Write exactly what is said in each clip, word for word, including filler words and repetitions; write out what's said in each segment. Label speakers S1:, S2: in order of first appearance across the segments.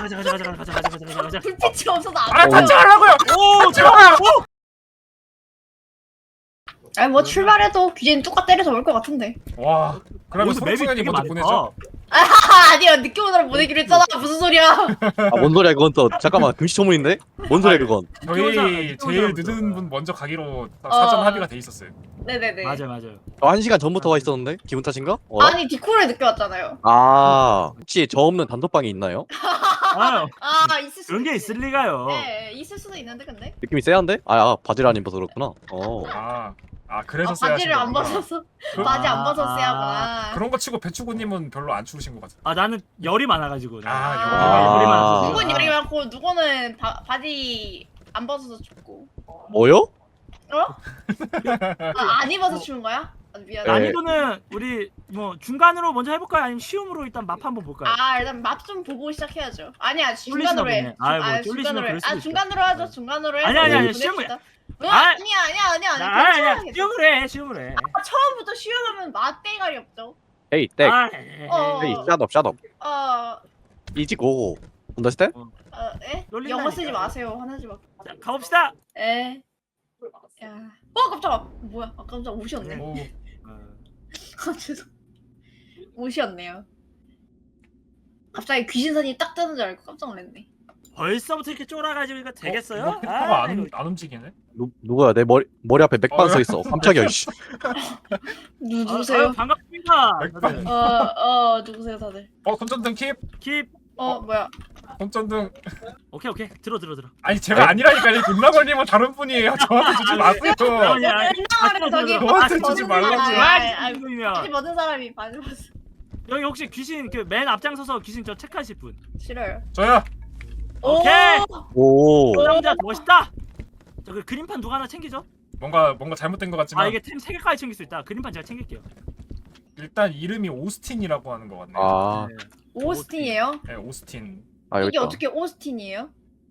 S1: 가자 가자 가자 가자 가자 가자 가자.
S2: 불빛이 없어서 안
S3: 아
S2: 보여.
S3: 같이 가라고요.
S1: 오 제발. 오.
S2: 아니 뭐 출발해도 귀신 뚜까 때려서 올 것 같은데.
S3: 와 그러면
S1: 여기서 맵이
S3: 소승현이
S1: 되게
S3: 먼저
S1: 많다.
S3: 보내죠.
S2: 아 아니야 늦게 오느라 보내기로 했잖아. 무슨 소리야?
S4: 아뭔 소리야 그건 또 잠깐만 금시초문인데? 뭔 소리야 그건?
S3: 저희
S1: 늦게
S3: 제일
S1: 오자.
S3: 늦은 분 먼저 가기로 딱
S2: 어.
S3: 사전 합의가 돼 있었어요.
S2: 네네네.
S1: 맞아 맞아요.
S4: 저 한 시간 전부터 와 있었는데? 기분 탓인가? 어?
S2: 아니 디코를 늦게 왔잖아요.
S4: 아 혹시 저 없는 단톡방이 있나요?
S1: 아
S2: 아 있을 수도
S1: 그런 게
S2: 있지.
S1: 있을 리가요.
S2: 네 있을 수도 있는데 근데.
S4: 느낌이 세한데? 아, 아 바지를 안 입어서 그렇구나. 어.
S3: 아, 아 그래서
S2: 아,
S3: 써야
S2: 바지를 안
S3: 하시는구나.
S2: 벗어서
S3: 그-
S2: 바지 안 벗어
S1: 아,
S2: 써야구나.
S3: 그런 거 치고 배추구님은 별로 안 추우신 것 같아요.
S1: 아 나는 열이 많아가지고.
S3: 아,
S2: 아,
S1: 열이
S4: 아.
S1: 많아서.
S2: 누군 열이 많고 누구는 바, 바지 안 벗어서 춥고.
S4: 뭐요?
S2: 어? 아, 안 입어서 추운 거야? 아, 미안해.
S4: 네.
S1: 난이도는 우리 뭐 중간으로 먼저 해볼까요? 아니면 쉬움으로 일단 맛 한번 볼까요?
S2: 아 일단 맛 좀 보고 시작해야죠. 아니야
S1: 쫄리시나
S2: 중간으로 해.
S1: 보네. 아이, 뭐
S2: 아,
S1: 쫄리시면
S2: 중간으로 해.
S1: 그럴 수도
S2: 아
S1: 있죠.
S2: 중간으로 하죠. 중간으로 해.
S1: 아니, 아니,
S4: 아니,
S2: 보냅시다. 어,
S1: 아,
S2: 아니야 아니야 아니야
S1: 아,
S2: 아니야.
S1: 아니 아니야
S2: 괜찮아,
S1: 쉬움으로 해 쉬움으로 해.
S2: 괜찮아. 처음부터 쉬어가면 맛 대가리 없죠.
S4: 헤이 땡
S1: 아,
S2: 어.
S4: 헤이 샷업 샷업
S2: 어,
S4: 이지 고 언더스탠?
S2: 어, 에?
S1: 놀린다니까.
S2: 영어 쓰지 마세요. 화내지 마.
S1: 자, 가봅시다.
S2: 에. 야. 어 깜짝아. 뭐야? 아 깜짝 옷이었네.
S3: 오,
S2: 아 죄송. 옷이었네요. 갑자기 귀신선이 딱 뜨는 줄 알고 깜짝 놀랐네.
S1: 벌써부터 이렇게 쫄아가지고 이거 되겠어요?
S3: 어, 캐릭터가
S1: 아,
S3: 안,
S1: 이거
S3: 안 움직이네.
S4: 누, 누구야 내 머리 머리 앞에 맥반
S3: 어,
S4: 서 있어 깜짝이야 씨.
S2: 누
S1: 아,
S2: 누구세요?
S1: 아, 반갑습니다.
S3: 맥반.
S1: 다들.
S2: 어어 누구세요 다들?
S3: 어 손전등 킵.
S1: 킵.
S2: 어 뭐야?
S3: 손전등.
S1: 오케이 오케이 들어 들어 들어.
S3: 아니 제가 아니라니까요. 금나걸님은 다른 분이에요. 저한테 주지 마세요.
S1: 아니 아니.
S2: 끝나가는 저기
S3: 저한테
S2: 바지
S3: 주지
S2: 벗은
S3: 말라고요.
S2: 사람,
S1: 아,
S2: 아이, 아이,
S1: 지금이면
S2: 바지 벗은 사람이 바지 벗은
S1: 여기 혹시 귀신 그 맨 앞장서서 귀신 저 체크하실 분.
S2: 싫어요.
S3: 저야.
S1: 오케이.
S4: 오
S1: 그 남자 멋있다. 저그 그림판 누가 하나 챙기죠?
S3: 뭔가 뭔가 잘못된 것 같지만
S1: 아 이게 템 세 개까지 챙길 수 있다. 그림판 제가 챙길게요.
S3: 일단 이름이 오스틴이라고 하는 것 같네요.
S4: 아,
S1: 네.
S2: 오스틴이에요?
S3: 네, 오스틴.
S4: 아 여기
S2: 이게
S4: 있다
S2: 어떻게 오스틴이에요?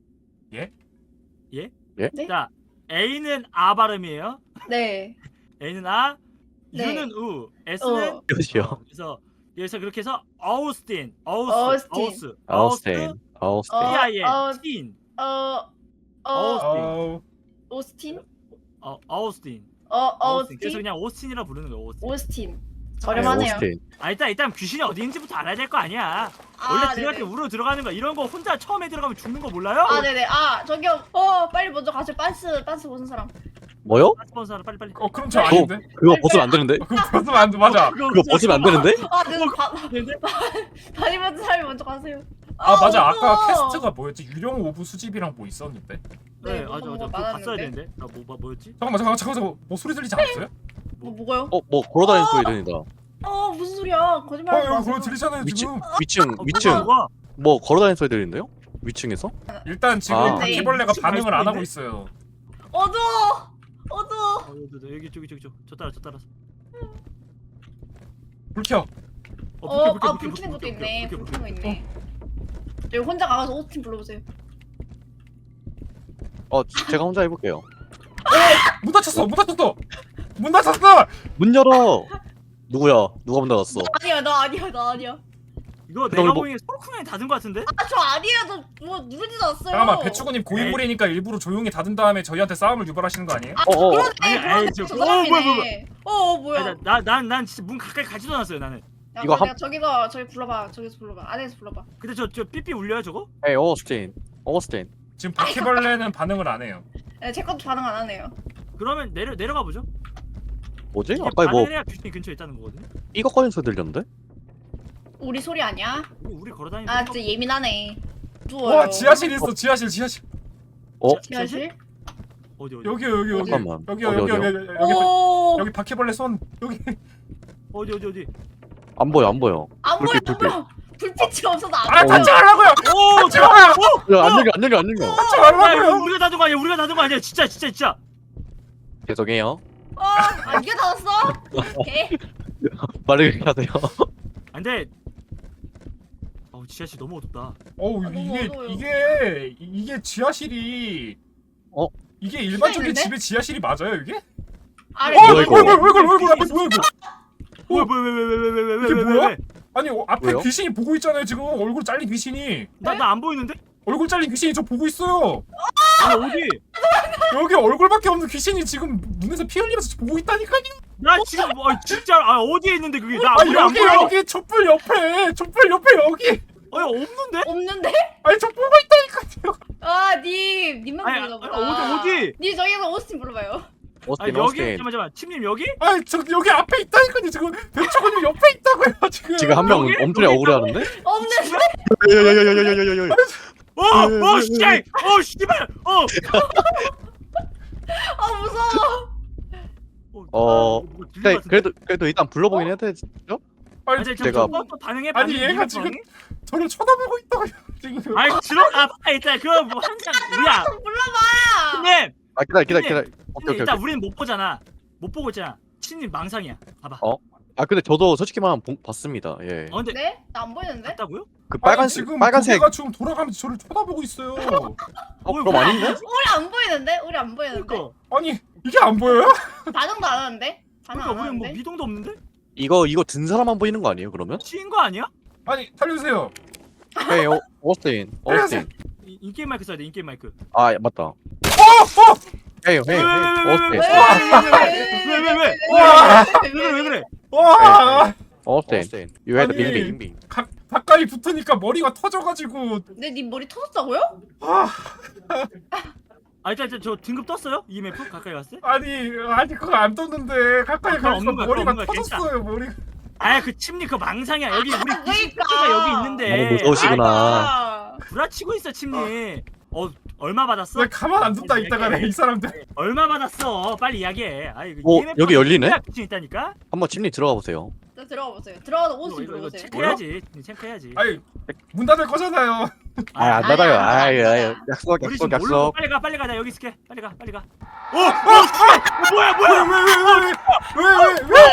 S2: 네?
S1: 자 A는 아 발음이에요.
S2: 네.
S1: A는 아,
S2: 네.
S1: U는 우, S는
S2: 어.
S4: 여기요
S1: 그래서 여기서 그렇게 해서 어우스틴, 어우스,
S2: 어우스틴.
S1: 어우스,
S4: 아우스틴 아우스틴
S2: 어.
S1: T I N,
S2: 어.
S1: 틴,
S2: 어. 어.
S1: 어우스틴.
S3: 어,
S2: 오스틴?
S1: 어, 어우스틴,
S2: 어.
S1: 어우스틴. 그래서
S2: 오스틴?
S1: 그냥 오스틴이라 부르는 거예요. 오스틴.
S2: 오스틴.
S4: 네,
S2: 저렴하네요.
S4: 오스틴
S1: 아 일단 일단 귀신이 어디인지부터 알아야 될 거 아니야. 원래
S2: 아,
S1: 들어갈 때
S2: 네네.
S1: 우르르 들어가는 거 이런 거 혼자 처음에 들어가면 죽는 거 몰라요?
S2: 아 네네. 아 저기요. 어 빨리 먼저 가세요. 빤스 빤스 벗은 사람.
S4: 뭐요?
S1: 스폰서 빨리 빨리.
S3: 어 그럼 저
S4: 그거
S3: 아닌데?
S4: 그거 벗으면 안 되는데?
S3: 어, 그럼 벗으면 안 돼. 맞아.
S4: 그거 벗으면 안 되는데?
S2: 아 네. 바,
S1: 되는데?
S2: 바지 벗은 사람이 먼저 가세요.
S3: 아 맞아. 아까
S2: 무서워.
S3: 퀘스트가 뭐였지? 유령 오브 수집이랑 뭐 있었는데.
S1: 네,
S2: 네,
S1: 맞아
S2: 뭐가
S1: 맞아. 그거
S2: 많았는데.
S1: 봤어야 되는데. 아, 뭐, 뭐 뭐였지?
S3: 잠깐만 잠깐만 잠깐만 뭐 소리 들리지 않았어요?
S2: 뭐 뭐가요?
S4: 어 뭐 걸어다니는 소리 들린다
S2: 어 무슨 소리야?
S3: 어
S2: 거짓말하지
S3: 여기
S2: 마세요.
S3: 그거 들리잖아요
S4: 위층
S3: 지금.
S4: 위층
S1: 어,
S4: 위층
S1: 뭐가, 뭐가?
S4: 뭐 걸어다니는 소리 들리는데요? 위층에서?
S3: 일단 지금
S4: 아.
S3: 바퀴벌레가
S1: 위층
S3: 반응을
S1: 갈
S3: 안
S1: 수도
S3: 하고
S1: 있네?
S3: 있어요.
S2: 어두워. 어두워.
S1: 어, 여기 여기 저기 저기 저기 저 따라 저 따라서.
S3: 불 켜.
S2: 어,
S1: 불켜,
S2: 아
S1: 불켜,
S2: 불 켜는
S1: 불켜,
S2: 것도
S1: 불켜,
S2: 있네.
S1: 불켜,
S2: 불
S1: 불켜,
S2: 켜는 거
S1: 불켜.
S2: 있네. 저기 혼자 가서 오스틴 불러보세요.
S4: 어 제가 혼자 해볼게요
S3: 문 닫혔어. 문 닫혔어. 문 닫혔어.
S4: 문 열어 누구야 누가 문 닫았어
S2: 아니야, 나 아니야, 나 아니야.
S1: 이거
S4: 그럼
S1: 내가
S4: 뭐-
S1: 보기엔 소르쿠맨이 닫은 거 같은데?
S2: 아 저 아니에요. 저 뭐 누르지도 않았어요.
S3: 잠깐만 배추구님 고인물이니까 일부러 조용히 닫은 다음에 저희한테 싸움을 유발하시는 거 아니에요?
S2: 아
S4: 어, 어, 어.
S2: 그러네.
S1: 아니,
S2: 그러네.
S1: 아니,
S2: 저
S1: 저-
S2: 사람이네.
S1: 어, 뭐야, 뭐야,
S2: 어, 어 뭐야?
S1: 나난 진짜 문 가까이 가지도 않았어요 나는.
S2: 야,
S4: 이거
S2: 이거
S4: 한-
S2: 저기서 저기 불러봐. 저기서 불러봐. 안에서 불러봐.
S1: 근데 저 저 삐삐 울려요 저거?
S4: 에이 오스틴 오스틴
S3: 지금 바퀴벌레는 반응을 안 해요.
S2: 네, 제 것도 반응 안 하네요.
S1: 그러면 내려 내려가 보죠.
S4: 뭐지?
S1: 이게
S4: 아까 뭐
S1: 반응을 해야 귀신이 근처에 있다는 거거든요.
S4: 삐걱거리는 소리 들렸는데?
S2: 우리 소리 아니야?
S1: 우리, 우리 걸어다니는.
S2: 아 진짜 예민하네. 누워요.
S3: 와 지하실 있어. 지하실 지하실.
S4: 어?
S2: 지하실?
S1: 어디 어디
S3: 여기 여기 여기.
S4: 잠깐만.
S3: 여기
S4: 어디,
S3: 여기 여기
S4: 어디요?
S3: 여기 여기
S2: 오.
S3: 여기 바퀴벌레 손 여기.
S1: 어디 어디 어디.
S4: 안 보여 안 보여
S2: 안 보여,
S4: 불빛,
S2: 안
S4: 불빛.
S2: 보여. 불빛이 없어서 안
S3: 아
S2: 보여.
S3: 닫지 말라고요.
S1: 오
S3: 닫지 말아요.
S4: 야, 안 열려 안 열려 안 열려
S3: 닫지
S1: 야, 이거
S3: 말라고요.
S1: 우리가 닫은 거 아니야? 우리가 닫은 거 아니야? 진짜 진짜 진짜.
S4: 죄송해요
S2: 어, 아, 이게 닫았어? 개.
S4: 말을 해야 돼요
S1: 안돼. 어우 지하실 너무 어둡다.
S3: 어우
S2: 아, 너무
S3: 이게
S2: 어두워요.
S3: 이게 이게 지하실이
S4: 어?
S3: 이게 일반적인
S2: 있는데?
S3: 집의 지하실이 맞아요 이게?
S2: 아래
S3: 어
S4: 뭐야,
S3: 이거
S4: 이거?
S3: 이거 이거 이거 이거 뭐야 이거?
S1: 뭐야 뭐야 왜왜왜왜왜왜왜
S3: 이게 뭐야? 아니 어, 앞에
S4: 왜요?
S3: 귀신이 보고 있잖아요 지금. 얼굴 잘린 귀신이.
S1: 나 나 안 보이는데?
S3: 얼굴 잘린 귀신이 저 보고 있어요.
S1: 아니 어디?
S3: 여기 얼굴밖에 없는 귀신이 지금 눈에서 피 흘리면서 저 보고 있다니까요.
S1: 나 지금 뭐 아, 진짜 아 어디에 있는데 그게 나
S3: 아
S1: 우리 안
S3: 여기
S1: 보여.
S3: 여기 촛불 옆에 촛불 옆에 여기.
S1: 아니 없는데?
S2: 없는데?
S3: 아니 저 보고 있다니까요.
S2: 아, 님, 님만
S1: 아니,
S2: 부르나
S1: 아니,
S2: 보다.
S1: 어디 어디?
S2: 님 저기서 오스틴 불러봐요.
S1: 아니
S4: 오스틴
S1: 여기
S4: 오스틴.
S1: 잠깐만 잠깐만 침님 여기?
S3: 아니 저 여기 앞에 있다니까요 지금. 백초근님 옆에 있다고요 지금.
S4: 지금 한 명
S1: 여기?
S4: 엄청
S1: 여기
S4: 억울해하는데?
S2: 없는데?
S4: 야야야야야야야야야.
S1: 어어 씨발 어 씨발 어.
S2: 아, 무서워.
S4: 어,
S1: 뭐 들린 것
S4: 네,
S1: 같은데?
S4: 그래도 그래도 일단 불러보긴 해야 되죠?
S3: 아니
S1: 아니
S4: 제가-
S1: 제가 또 반응해
S3: 아니,
S1: 반응해,
S3: 얘가
S1: 이거
S3: 지금-
S1: 반응해?
S3: 저를 쳐다보고 있다고요 지금.
S1: 아니 들어가 봐 일단 그거 뭐 항상 우리야
S2: 불러봐.
S1: 침님
S4: 아 기다려 기다려 기다려.
S1: 침님
S4: 오케이 오케이
S1: 일단
S4: 오케이.
S1: 우리는 못 보잖아 못 보고 있잖아 침님 망상이야 봐봐
S4: 어? 아 근데 저도 솔직히 말하면 본- 봤습니다. 예.
S1: 어 근데
S2: 네? 나 안 보이는데?
S1: 봤다고요?
S4: 그
S3: 아니,
S4: 빨간색
S3: 지금
S4: 빨간색.
S3: 고개가 지금 돌아가면서 저를 쳐다보고 있어요.
S4: 어 그럼 아닌데?
S2: 우리 안 보이는데? 우리 안 보이는데?
S1: 그러니까
S3: 아니 이게 안 보여요?
S2: 반응도 안 하는데? 반응
S1: 그러니까
S2: 안
S1: 우리는 뭐
S2: 하는데?
S1: 미동도 없는데?
S4: 이거 이거 든 사람만 보이는 거 아니에요? 그러면?
S1: 치인 거 아니야?
S3: 아니 살려주세요.
S4: 헤이 오- 오스틴 오스틴.
S1: 이- 인게임 마이크 써야 돼 인게임 마이크
S4: 아 맞다.
S3: 어! 어!
S4: 헤이 헤이 헤이
S1: 왜,
S4: 오스틴
S1: 왜, 왜, 왜, 왜?
S3: 와!
S1: 왜 그래 왜 그래
S3: 와!
S4: 오스틴. You had
S3: 아니.
S4: 빙빙 빙빙.
S3: 가, 가까이 붙으니까 머리가 터져가지고.
S2: 근데 님 머리 터졌다고요?
S3: 아,
S1: 아 일단, 일단 저 등급 떴어요? 이엠에프 가까이 갔을 때?
S3: 아니 아니 그거 안 떴는데 가까이
S1: 아, 그거
S3: 가니까
S1: 없는 거야,
S3: 머리가
S1: 그거 없는 거야,
S3: 터졌어요 머리.
S1: 아그 침니 그 망상이야 여기 우리
S2: 그러니까.
S1: 귀신가 여기 있는데
S4: 너무 무서우시구나.
S2: 아,
S1: 구라치고 있어 침니 어 얼마 받았어?
S3: 왜 가만 안 둔다 이따가네 이 사람들.
S1: 얼마 받았어 빨리 이야기해 아 이거
S4: 어,
S1: 이엠에프
S4: 여기 열리네?
S1: 귀신 있다니까?
S4: 한번 침리 들어가 보세요.
S2: 자, 들어가 보세요. 들어가서
S1: 이거
S2: 오스틴
S1: 이거, 이거
S2: 불러보세요.
S1: 체크해야지 체크해야지
S3: 아니 문 닫을 거잖아요.
S4: 아 안
S2: 아니,
S4: 닫아요.
S2: 아니,
S4: 아
S2: 아니,
S4: 예,
S2: 아니.
S4: 약속
S1: 우리
S4: 약속
S1: 지금 몰라
S4: 약속.
S1: 빨리 가 빨리 가나 여기 있을게 빨리 가 빨리 가 어! 어! 씨! 뭐야 뭐야
S3: 왜왜왜왜왜왜 왜?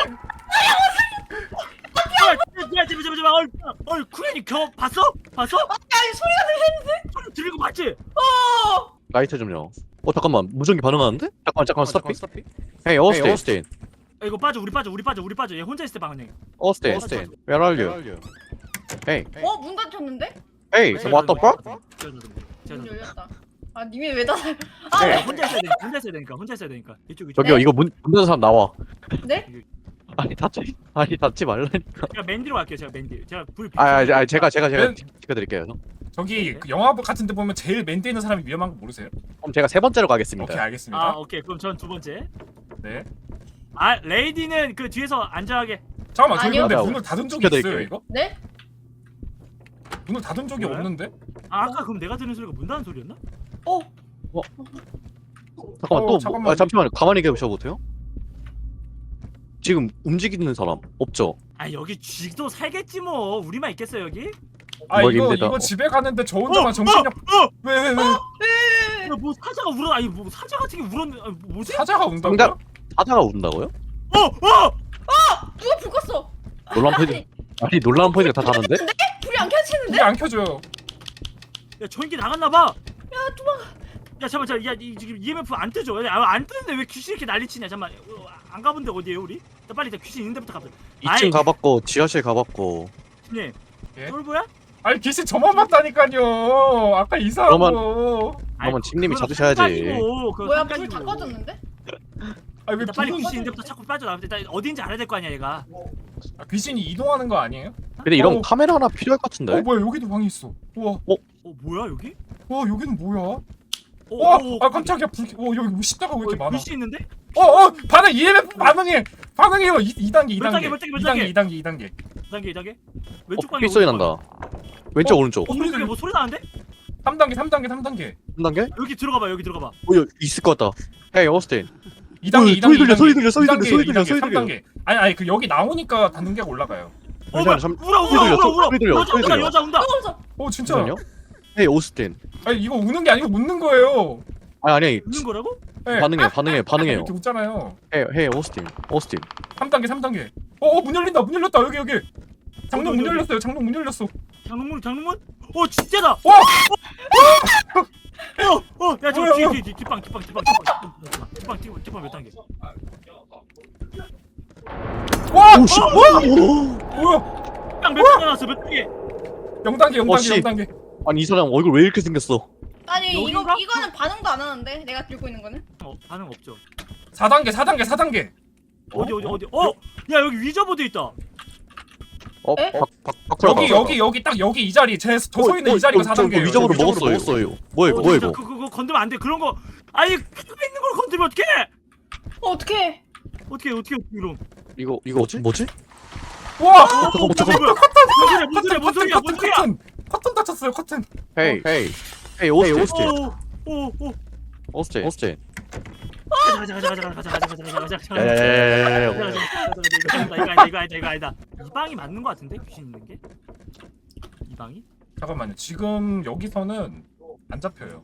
S1: 야 잠깐만 잠깐만 어, 어 쿠엔이 겨 봤어? 봤어?
S2: 아니, 소리가 들리는데?
S1: 소리 들리고 봤지?
S2: 어!
S4: 라이트 좀요. 어 잠깐만 무전기 반응하는데? 잠깐만 잠깐만 스탑. 헤이 오스틴.
S1: 야, 이거 빠져 우리 빠져 우리 빠져 우리 빠져 얘 혼자 있을 때 방언해
S4: 오스틴.
S1: 오스틴.
S4: Where are you? 헤이
S2: 어? 문 닫혔는데?
S4: 헤이 what the fuck?
S2: 문 열렸다. 아, 님이 왜 닫아요?
S1: 아,
S2: 아,
S1: 혼자 있어야 되니까 혼자 있어야 되니까 혼자 있어야 되니까 이쪽 이쪽
S4: 저기요 이거 문 닫는 사람 나와.
S2: 네?
S4: 아니 닫지 아니 닫지 말라니까.
S1: 제가 맨디로 갈게요 제가 맨디 제가 불
S4: 아, 아, 아 제가 제가 제가
S3: 맨-
S4: 지켜드릴게요.
S3: 저기 그 영화 같은 데 보면 제일 맨 뒤에 있는 사람이 위험한 거 모르세요?
S4: 그럼 제가 세 번째로
S3: 오케이
S4: 가겠습니다.
S3: 알겠습니다.
S1: 아 오케이 그럼 전 두 번째
S3: 네.
S1: 아 레이디는 그 뒤에서 안전하게
S3: 잠깐만 저기
S2: 아니요.
S3: 근데
S4: 맞아.
S3: 문을 닫은 적이
S4: 시켜드릴게요.
S3: 있어요 이거?
S2: 네?
S3: 문을 닫은 적이
S1: 뭐야?
S3: 없는데?
S1: 아 아까 그럼 내가 들은 소리가 문 닫는 소리였나?
S2: 어?
S4: 잠깐만
S3: 어,
S4: 또
S3: 잠깐만.
S4: 뭐, 아, 잠시만요. 가만히 계셔 보세요. 지금 움직이는 사람 없죠?
S1: 아 여기 쥐도 살겠지 뭐 우리만 있겠어 여기?
S3: 아
S4: 뭐
S3: 이거
S4: 힘들다.
S3: 이거 집에 가는데 저 혼자만 정신력
S1: 어!
S3: 왜 왜 왜
S2: 네.
S1: 야, 뭐 사자가 울어 아니 뭐 사자 같은 게 울었는 아니, 뭐지?
S3: 사자가 운다고요?
S4: 정답! 사자가 운다고요?
S1: 어! 어!
S2: 누가 불 껐어?
S4: 놀란 포인트 아니 놀라운 포인트가 다 다른데?
S2: 불이 안 켜지는데?
S3: 이게 안 켜져요.
S1: 야 전기 나갔나봐 야 도망가 야 잠깐만 잠깐만 야 이, 지금 이엠에프 안 뜨죠? 야, 안 뜨는데 왜 귀신 이렇게 난리치냐 잠깐만 어, 안 가본 데 어디에요 우리? 나 빨리 일단 귀신 있는 데부터 가보자
S4: 이 층 가봤고 지하실 가봤고
S1: 님
S3: 예?
S1: 똘보야?
S3: 아니 귀신 저만 봤다니까요. 아까 이사하고.
S4: 그러면 집님이 찾으셔야지.
S2: 뭐야, 불 다 꺼졌는데?
S3: 아니 왜
S1: 일단 빨리
S3: 불은-
S1: 귀신 있는 데부터 자꾸 빠져나와 일단 어딘지 알아야 될 거 아니야 얘가
S3: 아, 귀신이 이동하는 거 아니에요?
S4: 근데 이런
S3: 어.
S4: 카메라 하나 필요할 것 같은데?
S3: 어 뭐야 여기도 방이 있어. 우와
S1: 어 뭐야 여기?
S3: 와 여기는 뭐야?
S1: 어,
S3: 와,
S1: 어,
S3: 아 깜짝이야. 불, 어 여기 뭐 십자가 왜 이렇게 많아?
S1: 글씨 있는데?
S3: 어, 어, 반응 이엠에프 반응해. 반응해요. 이, 이 단계, 이
S1: 몇
S3: 단계.
S1: 단계, 몇 단계, 몇
S3: 이 단계,
S1: 단계?
S3: 이 단계, 이 단계.
S1: 이 단계 이 단계?
S4: 어,
S1: 왼쪽 방에
S4: 삐 소리 난다. 왼쪽 오른쪽.
S1: 어 소리 뭐 소리 나는데?
S3: 삼 단계, 삼 단계, 삼 단계.
S4: 한 단계?
S1: 여기 들어가봐 여기 들어가봐
S4: 어 여기 있을 것 같다. 헤이 오스틴.
S3: 이 단계,
S4: 어,
S3: 이 단계,
S4: 소리 들려,
S3: 이 단계.
S4: 소리 들려, 소리
S3: 이 단계,
S4: 들려, 소리
S3: 이 단계,
S4: 들려,
S3: 삼 단계. 아니, 아니 그 여기 나오니까 단계가 올라가요.
S1: 어 뭐야
S4: 잠-
S1: 울어
S4: 소리
S1: 울어
S4: 들려,
S1: 울어 울어
S4: 소리 들려,
S1: 여자
S4: 소리
S1: 운다
S4: 들려.
S1: 여자 운다
S3: 어, 진짜.
S4: 잠시만요. 헤이 오스틴.
S3: 아니 이거 우는 게 아니고 묻는 거예요.
S4: 아니 아니
S1: 웃는 거라고?
S3: 네.
S4: 반응해 반응해 반응해요.
S3: 이렇게 웃잖아요.
S4: 헤이 헤이 오스틴 오스틴.
S3: 삼 단계, 삼 단계. 어, 어, 문 열린다. 문 열렸다. 여기 여기. 장롱
S1: 어디,
S3: 문
S1: 어디,
S3: 열렸어요. 장롱 문 열렸어.
S1: 장롱문 장롱문? 어 진짜다!
S3: 와!
S1: 어! 어! 야
S3: 뭐야,
S1: 저 뒤에
S3: 뭐야?
S1: 뒤에 뒤에 뒷방 뒷방 뒷방 뒷방 뒷방 뒷방 뒷방 몇 단계?
S3: 와!
S4: 오씨.
S3: 뭐야?
S1: 야 몇 단계 나왔어 몇 단계?
S3: 영 단계 영
S4: 어,
S3: 단계
S4: 씨.
S3: 영 단계.
S4: 아니 이 사람 얼굴 왜 이렇게 생겼어?
S2: 아니 이거
S1: 여긴가?
S2: 이거는 반응도 안 하는데 내가 들고 있는 거는.
S1: 어 반응 없죠.
S3: 사 단계 사 단계 사 단계.
S1: 어디 어디 어디? 어? 야 여기 위저보드 있다.
S4: 어?
S2: 에?
S4: 박, 박, 박구라
S3: 여기 여기 여기 딱 여기 이 자리 제 저 서 있는 이 자리가 사 단계예요.
S4: 위적으로
S3: 위적으로
S4: 먹었어요. 먹었어요. 뭐야 이거?
S1: 어,
S4: 뭐야
S1: 진짜
S4: 이거?
S1: 그, 그거 건드면 안 돼. 그런 거 아니 피부에 있는 걸 건드리면 어떡해?
S2: 어 어떡해.
S1: 어떻게 어떻게 이런?
S4: 이거 이거 뭐지? 뭐지?
S3: 와!
S1: 잠깐만 잠깐만. 뭔 소리야 뭔 소리야 뭔 소리야 뭔 소리야?
S3: 커튼 커튼 다쳤어요 커튼.
S4: 헤이 헤이 헤이 오스틴
S1: 오오오
S4: 오스틴 오스틴.
S1: 가자 가자 가자 가자 가자 가자 가자 가자.
S4: 야야야야야.
S1: 이거 아니다 이거 아니다 이거 아니다. 이 방이 맞는 거 같은데 귀신 있는 게? 이 방이?
S3: 잠깐만요. 지금 여기서는 안 잡혀요.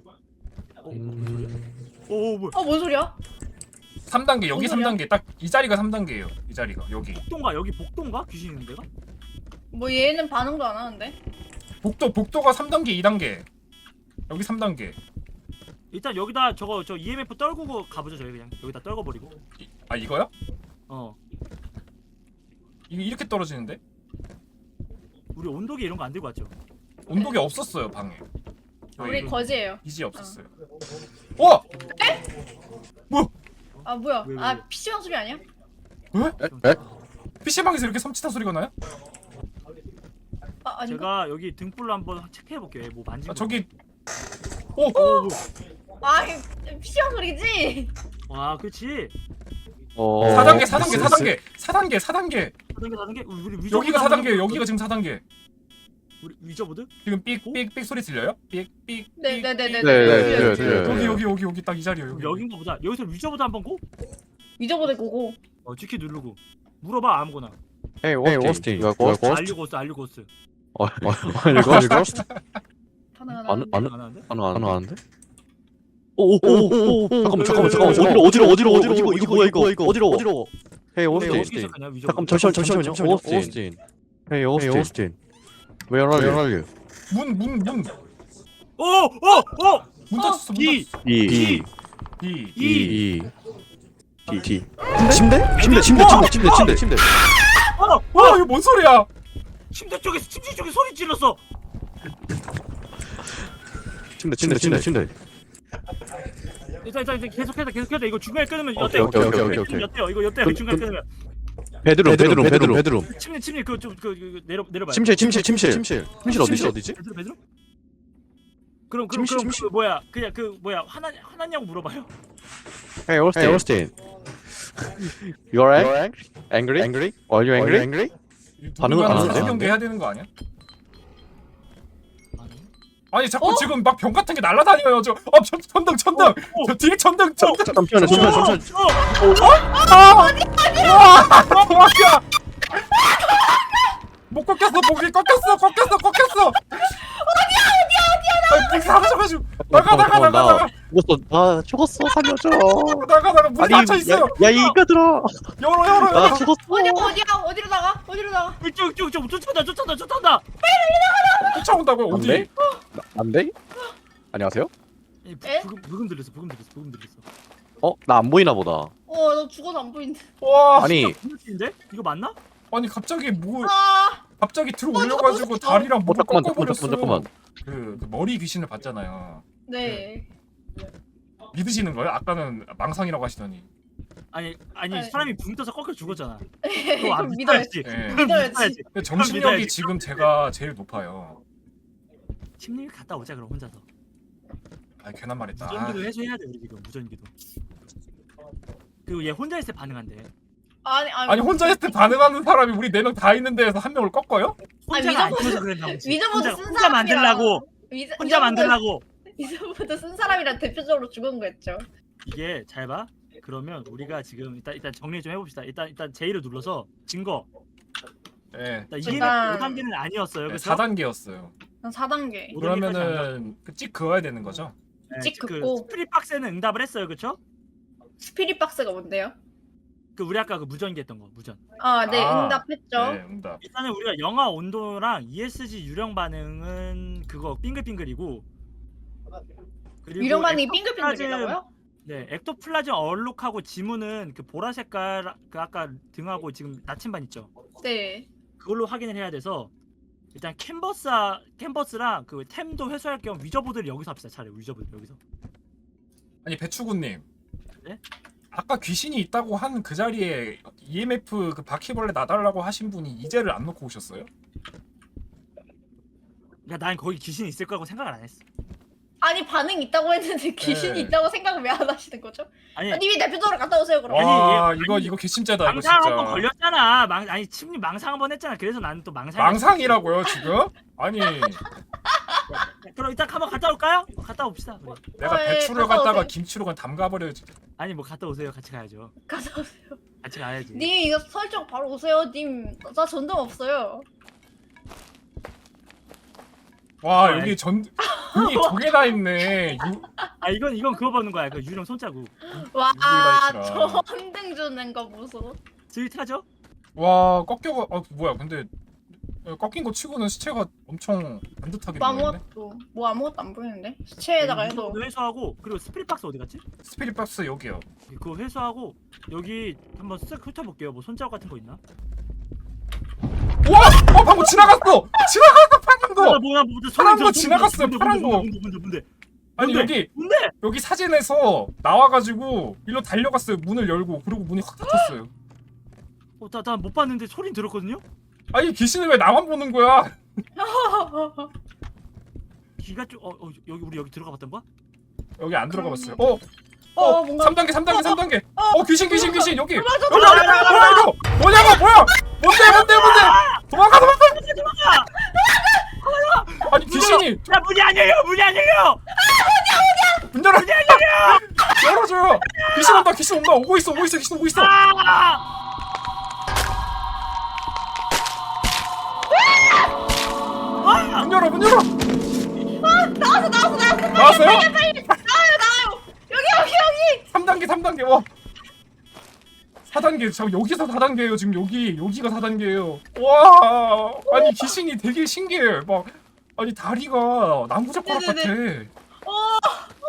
S1: 오 뭐야?
S2: 어뭔 소리야?
S3: 삼 단계 여기
S2: 무슨
S3: 삼
S2: 소리야?
S3: 단계 딱 이 자리가 삼 단계예요. 이 자리가 여기.
S1: 복도인가 여기 복도인가 귀신 있는 데가?
S2: 뭐 얘는 반응도 안 하는데.
S3: 복도 복도가 삼 단계 이 단계. 여기 삼 단계.
S1: 일단 여기다 저거 저 이엠에프 떨구고 가보죠 저희 그냥 여기다 떨궈버리고.
S3: 이, 아 이거요?
S1: 어
S3: 이게 이렇게 떨어지는데?
S1: 우리 온도계 이런 거 안 들고 왔죠?
S3: 온도계 없었어요 방에.
S2: 우리
S3: 저희
S2: 거지예요.
S3: 이지 없었어요. 와!
S2: 아 뭐야?
S1: 왜, 왜, 왜?
S2: 아 피씨방 소리 아니야?
S3: 에? 에? 피씨방에서 이렇게 섬찟한 소리가 나요?
S2: 아 아닌가?
S1: 제가 여기 등불로 한번 체크해 볼게요. 뭐 만지고.
S3: 아 저기 오!
S1: 오, 뭐.
S2: 아 피씨방 소리지.
S1: 와, 그렇지.
S4: 어.
S3: 사 단계 사 단계 사 단계 사 단계 사 단계
S1: 사 단계 사 단계. 우리 위저
S3: 여기가 사 단계예요. 여기가 지금 사 단계.
S1: 우리 위저보드?
S3: 지금 삑삑삑 소리 들려요? 삑삑
S2: 네네네네.
S4: 네, 네, 네.
S3: 여기 여기 여기 여기 딱 이 자리요. 여기.
S1: 여긴가 보다. 여기서 위저보드 한번 고?
S2: 위저보드 고고.
S1: 어, 찍기 누르고. 물어봐 아무거나.
S4: 헤이 오스틴. 이거 고스트?
S1: 알류고스, 알류고스.
S4: 어, 어, 아니 고스트?
S2: 반응 안
S4: 안
S2: 하는데.
S4: 안
S1: 안 하는데?
S4: 안 안 하는데? 오오오오 잠깐만 잠깐만 잠깐만 어디로 어디로 어디로 어디로 이거 뭐야 이거 이거 어디로 어디로 헤이
S1: 어떻게
S4: 오스틴
S1: 시작하냐, 위저보드?
S4: 잠깐 잠시만 잠시만요 오스틴 헤이 오스틴 Where are you?
S3: 문 문 문.
S1: 오, 오, 오!
S3: 문 닫혔어. 문
S1: 이,
S3: 닫혔어.
S4: E
S3: 이.
S1: 이.
S4: E T T 침대? 침대 침대 침대 침대 침대 침대
S1: 어,
S3: 와 이거 뭔 소리야?
S1: 침대 쪽에서 침대 쪽에 소리 질렀어.
S4: 침대 침대 침대 침대
S1: 일단 일단 일단 계속해다 계속해다. 이거 중간에 끊으면
S4: 오케이,
S1: 어때요?
S4: 오케이, 오케이, 오케이, 오케이.
S1: 어때요? 이거 어때요?
S4: 그,
S1: 중간에
S4: 그,
S1: 끊으면.
S4: 베드룸 베드룸 베드룸 베드룸
S1: 침대 침대 그좀그 내려 내려봐.
S4: 침실 침실 침실 침실 침실 어디지 어디지?
S1: 베드룸 베드룸? 그럼 그럼
S4: 침실,
S1: 그럼
S4: 침실.
S1: 그 뭐야? 그냥 그 뭐야? 화나 화났냐고 물어봐요.
S4: Hey Austin. Hey Austin. You're angry? Angry? Angry? Are you angry? Angry? 반응을 안
S3: 사진
S4: 하는데요?
S3: 연계 해야 되는 거 아니야?
S1: 아니.
S3: 아니 자꾸
S2: 어?
S3: 지금 막 병 같은 게 날아다녀요. 저 어, 천, 천등 천등. 저 뒤에 천등 천등.
S4: 잠시만요 잠시만요 잠시만요
S3: 아! 아! 도망가! 못 꺾였어. 목이 꺾였어. 꺾였어. 꺾였어. 어디야? 어디야? 어디야? 목이 사라져가지고 나가 나가 나가 나가
S4: 죽었어 나 죽었어 살려줘
S3: 나가 나가 문 닫혀 있어요.
S4: 야 이거들아
S3: 열어 열어
S4: 나
S3: 열어.
S4: 죽었어
S2: 어디 어디야? 어디로 나가? 어디로 나가?
S1: 이쪽 이쪽 이쪽 쫓아온다 쫓아온다 쫓아온다.
S3: 쫓아온다고요? 어디?
S4: 안 돼? 안 돼? 안녕하세요?
S1: 에?
S2: 에?
S1: 부금 부금 들렸어 부금 들렸어 부금 들렸어.
S4: 어? 나 안 보이나 보다
S2: 어 너 죽어서 안 보이는데.
S3: 와
S4: 아니
S1: 인데 이거 맞나?
S3: 아니 갑자기 뭐
S2: 아
S3: 갑자기 들어 올려가지고 다리랑
S4: 어
S3: 목을
S4: 잠깐만
S3: 꺾어버렸어.
S4: 잠깐만 잠깐만
S3: 그, 그 머리 귀신을 봤잖아요.
S2: 네.
S3: 믿으시는 거예요? 아까는 망상이라고 하시더니.
S1: 아니 아니
S2: 네.
S1: 사람이 붕 떠서 꺾여 죽었잖아.
S2: 그럼
S1: 그거 안
S2: 믿어야지.
S1: 믿어야지.
S3: 예.
S1: 그럼
S2: 믿어야지.
S1: 믿어야지.
S3: 근데 정신력이
S1: 믿어야지.
S3: 지금 제가 제일 높아요.
S1: 심리를 갔다 오자 그럼 혼자서.
S3: 아 괜한 말했다. 아,
S1: 무전기도 해소해야 돼 우리 지금 무전기도. 그리고 얘 혼자 있을 때 반응한대.
S2: 아니 아니.
S3: 아니 혼자 했을 때 반응하는 사람이 우리 네 명 다 있는 데에서 한 명을 꺾어요?
S1: 혼자가 안
S2: 위저보드-
S1: 있어서 그랬나 보지.
S2: 위저보드
S1: 혼자,
S2: 쓴
S1: 혼자
S2: 사람이랑-
S1: 만들라고.
S2: 위저,
S1: 혼자 만들라고.
S2: 위저보드 쓴 사람이랑 대표적으로 죽은 거였죠.
S1: 이게 잘 봐. 그러면 우리가 지금 일단 일단 정리 좀 해봅시다. 일단 일단 J를 눌러서 증거.
S3: 예.
S1: 일단 이게
S2: 일단-
S1: 오 단계는 아니었어요.
S3: 네,
S1: 그래서
S3: 사 단계였어요.
S2: 난 사 단계.
S1: 오 단계까지 안
S3: 그러면은 그 찍 그어야 되는 거죠?
S2: 찍
S1: 그
S2: 긋고.
S1: 스프릿 박스는 응답을 했어요, 그렇죠?
S2: 스피릿 박스가 뭔데요?
S1: 그 우리 아까 그 무전기 했던 거 무전.
S2: 아, 네,
S3: 아,
S2: 응답했죠.
S3: 네, 응답.
S1: 일단은 우리가 영하 온도랑 이에스지 유령 반응은 그거 빙글빙글이고. 그리고
S2: 유령반이
S1: 엑토플라즘-
S2: 빙글빙글이라고요?
S1: 네, 엑토플라즘 얼룩하고 지문은 그 보라 색깔 그 아까 등하고 지금 나침반 있죠.
S2: 네.
S1: 그걸로 확인을 해야 돼서 일단 캔버스 캔버스랑 그 템도 회수할 겸 위저보드를 여기서 합시다. 차라리 위저보드 여기서.
S3: 아니 배추구님.
S1: 네?
S3: 아까 귀신이 있다고 한 그 자리에 이엠에프 그 바퀴벌레 놔달라고 하신 분이 이제를 안 놓고 오셨어요?
S1: 야, 난 거기 귀신이 있을 거라고 생각을 안 했어.
S2: 아니 반응 있다고 했는데 귀신이
S3: 네.
S2: 있다고 생각을 왜 안 하시는 거죠?
S1: 아니
S2: 아, 님이 대표적으로 갔다 오세요 그럼.
S3: 와
S1: 아니,
S3: 이거
S1: 아니,
S3: 이거 개심죄다 이거
S1: 망상 한 번
S3: 진짜.
S1: 걸렸잖아. 망 아니 침님 망상 한 번 했잖아. 그래서 나는 또 망상.
S3: 망상이라고요 지금? 아니
S1: 그럼 일단 한번 갔다 올까요? 갔다 옵시다. 우리.
S3: 내가
S2: 어, 예,
S3: 배추를
S2: 갔다
S3: 갖다가
S2: 오세요.
S3: 김치로 그냥 담가버려야지.
S1: 아니 뭐 갔다 오세요. 같이 가야죠.
S2: 갔다 오세요.
S1: 같이 가야지.
S2: 님 이거 설정 바로 오세요. 님 나 전등 없어요.
S3: 와
S1: 아이.
S3: 여기 전 등이 두 개 다 있네. 유,
S1: 아 이건 이건 그거 보는 거야. 그 유령 손자국.
S2: 와
S3: 누구이다,
S2: 전등 주는 거 보소.
S1: 스윗하죠?
S3: 와 꺾여. 아 뭐야 근데 꺾인 거 치고는 시체가 엄청 반듯하게
S2: 뭐
S3: 보이네.
S2: 아무것도 뭐 아무것도 안 보이는데 시체에다가 해도.
S1: 이거 회수하고 그리고 스피릿 박스 어디 갔지?
S3: 스피릿 박스 여기요.
S1: 그거 회수하고 여기 한번 쓱 훑어볼게요. 뭐 손자국 같은 거 있나?
S3: 와! 어 방금 지나갔어! 지나갔어 파란
S1: 아,
S3: 거!
S1: 뭐야 뭐야
S3: 파란
S1: 소리
S3: 거
S1: 들어,
S3: 지나갔어요,
S1: 뭔데,
S3: 파란
S1: 뭔데,
S3: 거.
S1: 뭔데 뭔데 뭔데
S3: 아니
S1: 뭔데?
S3: 여기
S1: 뭔데?
S3: 여기 사진에서 나와가지고 일로 달려갔어요. 문을 열고 그리고 문이 확 닫혔어요.
S1: 어, 나, 나 못 봤는데 소린 들었거든요?
S3: 아니 귀신은 왜 나만 보는 거야?
S1: 귀가 좀 어, 어 여기 우리 여기 들어가 봤던 거야?
S3: 여기 안 들어가 봤어요. 어?
S2: 어,
S3: 어?
S2: 뭔가-
S3: 삼 단계 삼 단계 삼 단계 어 귀신 귀신 귀신 여기! 여기
S2: 맞아,
S3: 여기 뭐야 이거! 뭐냐고 뭐야! 뭔데 뭔데 뭔데! 도망가 도망가! 아니 귀신이
S1: 야 문이 안 열려 문이 안 열려!
S3: 문 열어! 열어줘요! 귀신 온다 귀신 온다 오고 있어 오고 있어 귀신 오고 있어!
S1: 아!
S3: 문 열어 문 열어!
S2: 나왔어 나왔어 나왔어.
S3: 나왔어요?
S2: 나와요 나와요. 여기 여기 여기.
S3: 삼 단계 삼 단계 와! 사 단계 저 여기서 사 단계예요 지금 여기 여기가 사 단계예요. 와 아니 귀신이 되게 신기해 막 아니 다리가 나무젓가락 같아.
S2: 어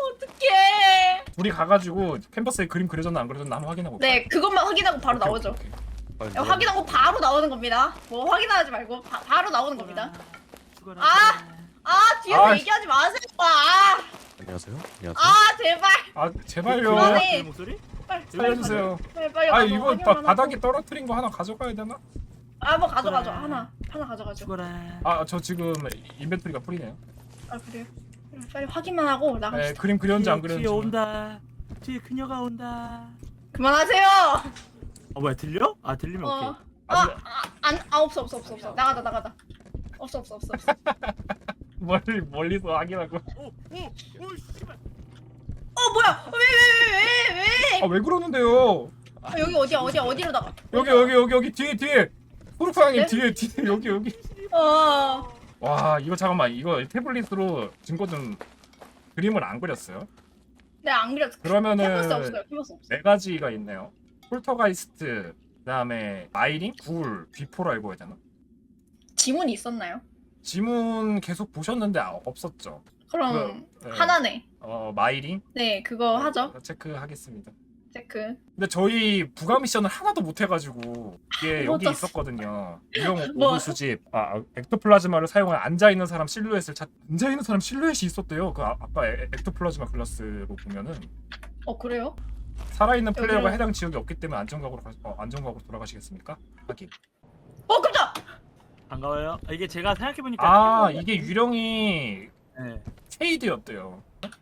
S2: 어떡해.
S3: 우리 가가지고 캔버스에 그림 그려졌나 안 그려졌나 한번 확인하고.
S2: 네 그것만 확인하고 바로 나오죠.
S4: 빨리
S2: 야, 확인하고 바로 나오는 겁니다. 뭐 확인하지 말고 바, 바로 나오는 겁니다.
S1: 죽어라,
S2: 아!
S1: 죽어라.
S2: 아 뒤에서
S3: 아,
S2: 얘기하지 마세요. 아,
S4: 안녕하세요. 안녕하세요.
S2: 아 제발.
S3: 아 제발요.
S2: 그만해.
S1: 그 목소리?
S2: 빨리
S3: 살려주세요.
S2: 빨리 빨리.
S3: 아
S2: 가서
S3: 이거
S2: 확인만
S3: 바, 바닥에
S2: 하고.
S3: 떨어뜨린 거 하나 가져가야 되나?
S2: 아뭐 가져가죠.
S1: 그래.
S2: 하나 하나 가져가죠.
S1: 죽어라.
S3: 아 저 지금 인벤토리가 풀이네요.
S2: 아 그래요? 그래, 빨리 확인만 하고
S3: 네
S2: 나갑시다.
S3: 그림 그렸는지 안
S1: 뒤에,
S3: 그렸는지.
S1: 뒤에 온다. 뒤에 그녀가 온다.
S2: 그만하세요.
S1: 어 뭐야 들려? 아 들리면 오케이.
S2: 어. 아안아 아, 아, 없어 없어 없어 없어 나가다 나가다. 없어 없어 없어 없어.
S3: 멀리 멀리서 확인하고.
S1: 오오오 씨발.
S2: 어 뭐야? 왜 왜 왜 왜 왜?
S3: 아 왜 그러는데요?
S2: 아, 여기 어디야 어디야 어디로 나가?
S3: 여기 여기 여기 여기 뒤에 뒤에 후루카님
S2: 네?
S3: 뒤에 뒤에 여기 여기.
S2: 어.
S3: 와 이거 잠깐만 이거 태블릿으로 증거 좀 그림을 안 그렸어요?
S2: 네안 그렸어.
S3: 그러면은
S2: 캐버스 없어요. 캐버스 없어.
S3: 네 가지가 있네요. 폴터가이스트, 그다음에 마이링, 굴, 비포라고 해야 되나?
S2: 지문이 있었나요?
S3: 지문 계속 보셨는데 아, 없었죠.
S2: 그럼
S3: 그, 네.
S2: 하나네.
S3: 어 마이링
S2: 네 그거 하죠.
S3: 체크하겠습니다.
S2: 체크.
S3: 근데 저희 부가 미션을 하나도 못 해가지고 이게
S2: 못
S3: 여기
S2: 떴어.
S3: 있었거든요. 유형
S2: 뭐?
S3: 오브 수집. 아 엑토플라즈마를 사용한 앉아 있는 사람 실루엣을 찾. 앉아 있는 사람 실루엣이 있었대요. 그 아, 아까 에- 엑토플라즈마 글라스로 보면은
S2: 어 그래요?
S3: 살아있는 플레이어가
S2: 여기로-
S3: 해당 지역이 없기 때문에 안전각으로 가, 어, 안전각으로 돌아가시겠습니까? 확인.
S2: 어 깜짝.
S1: 반가워요. 아, 이게 제가 생각해보니까
S3: 아
S1: 키워드-
S3: 이게 유령이
S1: 네.
S3: 쉐이드였대요.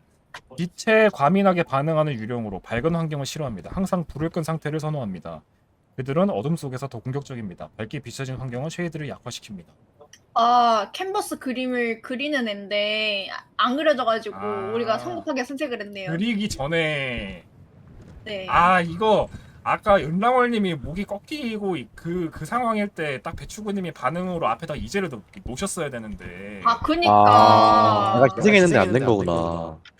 S3: 빛에 과민하게 반응하는 유령으로 밝은 환경을 싫어합니다. 항상 불을 끈 상태를 선호합니다. 그들은 어둠 속에서 더 공격적입니다. 밝게 비춰진 환경은 쉐이드를 약화시킵니다.
S2: 아 캔버스 그림을 그리는 앤데 안 그려져가지고
S3: 아.
S2: 우리가 성급하게 선택을 했네요.
S3: 그리기 전에
S2: 네.
S3: 아 이거 아까 은랑월님이 목이 꺾이고 그그 그 상황일 때 딱 배추구님이 반응으로 앞에다 이제를 놓- 놓으셨어야 되는데
S2: 아 그니까.
S4: 아, 내가
S2: 아,
S4: 희생했는데 안 된 거구나.